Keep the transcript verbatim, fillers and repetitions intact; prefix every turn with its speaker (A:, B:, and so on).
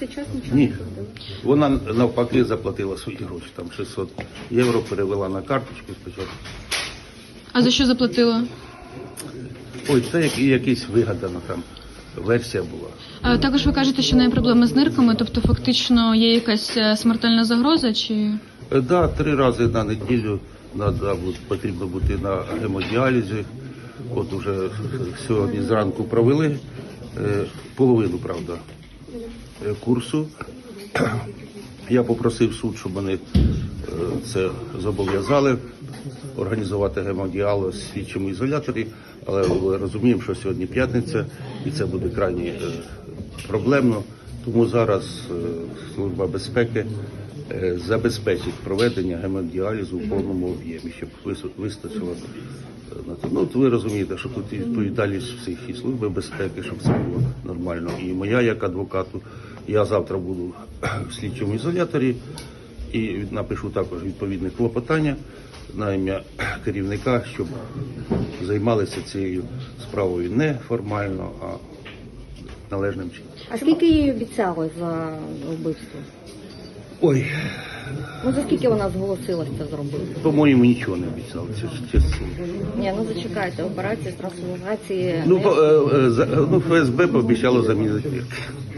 A: цей час нічого
B: Ні.
A: не зробили?
B: Вона навпаки заплатила свої гроші, там шістсот євро перевела на карточку спочатку.
C: А за що заплатила?
B: Ой, це як, якась вигадана там версія була.
C: А також ви кажете, що в неї проблеми з нирками, тобто фактично є якась е, смертельна загроза, чи...
B: Е, Да, три рази на неділю надо, бу- потрібно бути на гемодіалізі. От уже сьогодні зранку провели е, половину, правда, е, курсу. Я попросив суд, щоб вони е, це зобов'язали, організувати гемодіаліз в слідчому ізоляторі, але ми розуміємо, що сьогодні п'ятниця і це буде крайні е, проблемно. Тому зараз е, Служба безпеки е, забезпечить проведення гемодіалізу в повному об'ємі, щоб вис- вистачило е, на це. Ну, от ви розумієте, що тут і відповідальність всіх і Служби безпеки, щоб це було нормально. І моя як адвокату, я завтра буду в слідчому ізоляторі і напишу також відповідне клопотання на ім'я керівника, щоб займалися цією справою не формально, а належним чином.
A: А скільки їй обіцяли за вбивство?
B: Ой,
A: Ну за скільки вона зголосилась це зробити?
B: по-моєму, нічого не обіцяли, це чесно.
A: Ні, ну зачекайте, операція з трансформації.
B: Ну, по- е, е, за- ну, ФСБ пообіцяло замінити.